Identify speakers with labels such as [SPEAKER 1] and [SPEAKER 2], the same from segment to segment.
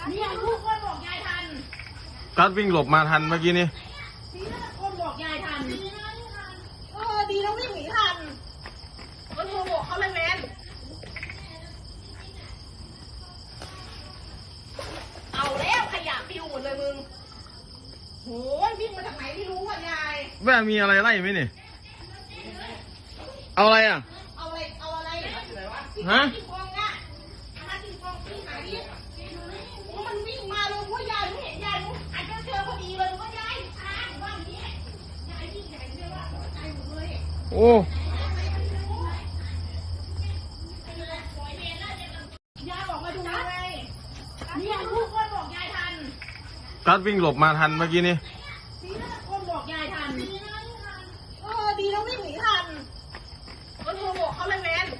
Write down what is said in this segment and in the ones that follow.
[SPEAKER 1] เนี่ยลูกคนบอกยายทัน
[SPEAKER 2] กัดวิ่งหลบมาทันเมื่อกี้นี้
[SPEAKER 1] ดีนะคนบอกยายทันดีแล้ววิ่งหนีทันก็โทรบอกเขาเลยแมนเอาแล้วขยะปิวหมดเลยมึงโหวิ่งมาจากไหนไม่รู้อ่ะยาย
[SPEAKER 2] แม่มีอะไรไล่ไหมเนี่ยเอาอะไรอ่ะ
[SPEAKER 1] เอาอะไร
[SPEAKER 2] ฮะ
[SPEAKER 1] ที่กองอ่ะที่กองที่หาดิมันวิ่งมาเลยว่ายายไม่เห็นยายอาจจะเจอพอดีเลยว่ายายช้าว่าอย่างนี้ยายวิ่งใหญ่เลยว่าใจหมดเลย
[SPEAKER 2] โอ้
[SPEAKER 1] ยายบอกมาดูไงเนี่ยลูกคนบอกยายทัน
[SPEAKER 2] กัดวิ่งหลบมาทันเมื่อกี้นี้
[SPEAKER 1] ดีนะคนบอกยายทันดีแล้ววิ่งหนีทันก็โทรบอกเขาเลยแมน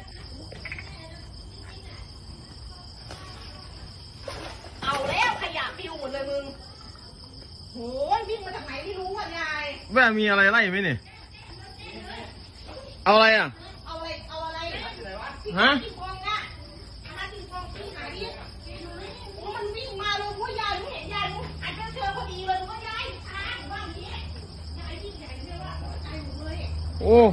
[SPEAKER 1] เอาแล้วขยะปิวหมดเลยมึงโหวิ่งมาจากไหนไม่รู้อ่ะยาย
[SPEAKER 2] แม่มีอะไรไล่ไหมเนี่ยเอาอะไรอ่ะ
[SPEAKER 1] เอาอะไร
[SPEAKER 2] ฮะ
[SPEAKER 1] ที่กองอ่ะที่กองที่หาดิมันวิ่งมาเลยว่ายายไม่เห็นยายอาจจะเจอพอดีเลยว่ายายช้าว่าอย่างนี้ยายวิ่งใหญ่เลยว่าใจหมดเลย
[SPEAKER 2] โอ้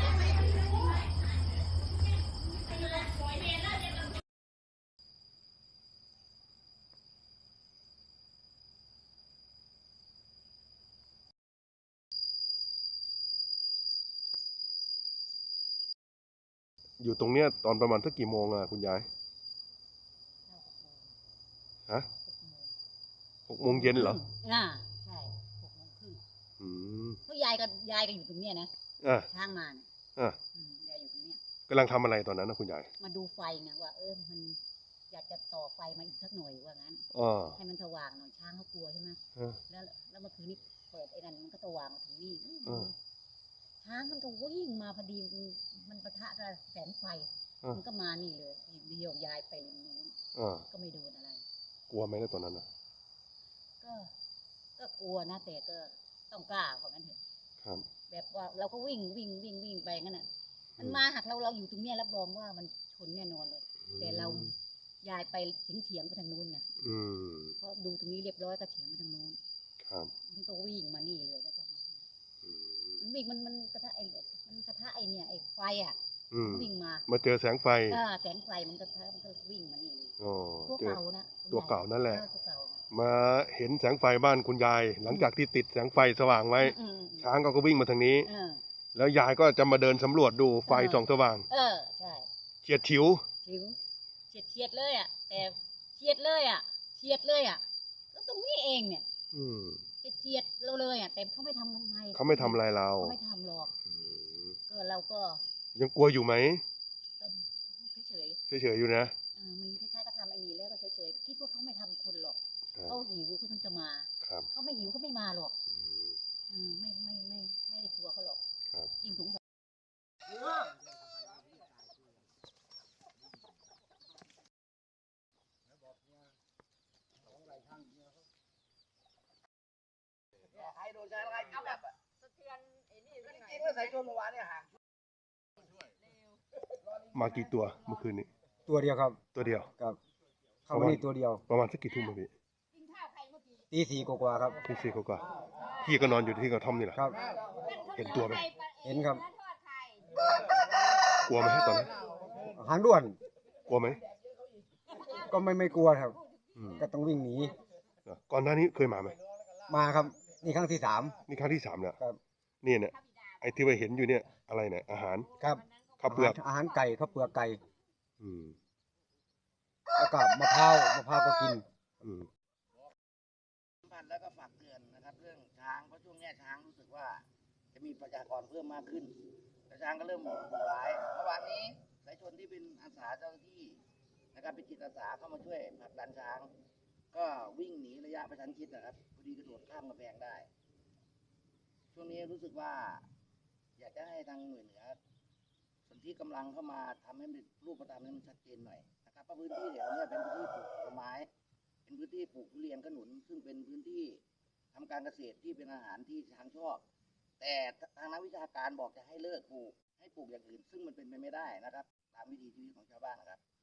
[SPEAKER 2] อยู่ตรงเนี้ยตอนประมาณสักกี่โมงอ่ะคุณยายฮะ6 โมงเย็นเหรอ
[SPEAKER 3] ใช่6 โมงครึ่งเพราะยายก็อยู่ตรงเนี้ยนะช้างมาเนี่ยยายอยู่ตรงเนี้ย
[SPEAKER 2] กำลังทำอะไรตอนนั้นนะคุณยาย
[SPEAKER 3] มาดูไฟไงว่ามันอยากจะต่อไฟมาอีกสักหน่อยว่างั้นให้มันสว่างหน่อยช้างเขากลัวใช่ไหมแล้วเมื่อคืนนี้เปิดไอ้นั่นมันก็สว่างมาถึงนี่ช้างมันก็วิ่งมาพอดีมันปะทะกับแสงไฟมันก็มานี่เลยเดียวยายไปริมนู้นก็ไม่โดนอะไร
[SPEAKER 2] กลัวไหมในตอนนั้นนะ
[SPEAKER 3] ก็กลัวนะแต่ก็ต้องกล้าว่างั้นเถอะแบบว่าเราก็วิ่งไปงั้นน่ะมันมาหักเราอยู่ตรงเนี้ยรับรองว่ามันชนแน่นอนเลยแต่เรายายไปเฉียงไปทางนู้นไงเพราะดูตรงนี้เรียบร้อยก็เฉียงไปทางนู้นมันก็วิ่งมานี่เลยแล้วก็มันวิ่งมันกระทะไอ้เนี่ยไอ้ไฟอ่ะวิ่ง
[SPEAKER 2] มาเจอแสงไฟ
[SPEAKER 3] แสงไฟมันก็วิ่งมานี่เลย
[SPEAKER 2] ตัวเก่านะตัวเก่านั่นแหละมาเห็นแสงไฟบ้านคุณยายหลังจากที่ติดแสงไฟสว่างไว้ช้างก็วิ่งมาทางนี้แล้วยายก็จะมาเดินสำรวจดูไฟส่องสว่าง
[SPEAKER 3] ใช่
[SPEAKER 2] เฉียดฉิว
[SPEAKER 3] เฉียดเลยอ่ะแต่เฉียดเลยอ่ะแล้วตรงนี้เองเนี่ยเฉียดเราเลยอ่ะแต่เขาไม่ทำอะไร
[SPEAKER 2] เขาไม่ทำอะไรเรา
[SPEAKER 3] เขาไม่ทำหรอกก็เราก็
[SPEAKER 2] ยังกลัวอยู่ไหม
[SPEAKER 3] เฉ
[SPEAKER 2] ยอยู่นะ
[SPEAKER 3] มันคล้ายๆก็ทำไอ้นี่แล้วก็เฉยคิดว่าเขาไม่ทำคนหรอกเขาหิวเขาต้องจะมาเขาไม่หิวเขาไม่มาหรอกไม่ได้กลัวเขาหรอกยิ่งสงสาร
[SPEAKER 2] มากี่ตัวเมื่อคืนนี้
[SPEAKER 4] ตัวเดียวครับ
[SPEAKER 2] ตัวเดียว
[SPEAKER 4] ครับเข้ามานี่ตัวเดียว
[SPEAKER 2] ประมาณสักกี่ทุ่มพี่
[SPEAKER 4] ตี 4กว่าครับ
[SPEAKER 2] ตี 4กว่าพี่ก็นอนอยู่ที่กระท่อมนี่แหละ
[SPEAKER 4] ครับ
[SPEAKER 2] เห็นตัวไหม
[SPEAKER 4] เห็นครับ
[SPEAKER 2] กลัวไหมตอนนั้น
[SPEAKER 4] หางด้วน
[SPEAKER 2] กลัวไหม
[SPEAKER 4] ก็ไม่กลัวครับก็ต้องวิ่งหนี
[SPEAKER 2] ก่อนหน้านี้เคยมาไหม
[SPEAKER 4] มาครับนี่ครั้งที่ 3
[SPEAKER 2] นี่ครั้งที่ 3เนี่ยเนี่ยไอ้ที่ไปเห็นอยู่เนี่ยอะไรเนี่ยอาหาร
[SPEAKER 4] ครับ
[SPEAKER 2] ข้าวเปลือก
[SPEAKER 4] อาหารไก่ข้าวเปลือกไก่แล้วก็มะพร้าวก็กิน
[SPEAKER 5] แล้วก็ฝากเตือนนะครับเรื่องช้างเพราะช่วงนี้ช้างรู้สึกว่าจะมีประชากรเพิ่มมากขึ้นช้างก็เริ่มดุร้ายเมื่อวานนี้สายชนที่เป็นอาสาเจ้าหน้าที่นะครับเป็นจิตอาสาเข้ามาช่วยผลักดันช้างก็วิ่งหนีระยะประชันชิดนะครับพอดีกระโดดข้ามกำแพงได้ช่วงนี้รู้สึกว่าอยากจะให้ทางหน่วยเหนือส่วนที่กำลังเข้ามาทำให้รูปธรรมนั้นชัดเจนหน่อยนะครับเพราะพื้นที่แถวนี้เป็นพื้นที่ปลูกผลไม้เป็นพื้นที่ปลูกทุเรียนขนุนซึ่งเป็นพื้นที่ทำการเกษตรที่เป็นอาหารที่ช้างชอบแต่ทางนักวิชาการบอกจะให้เลิกปลูกให้ปลูกอย่างอื่นซึ่งมันเป็นไปไม่ได้นะครับตามวิถีชีวิตของชาวบ้านนะครับ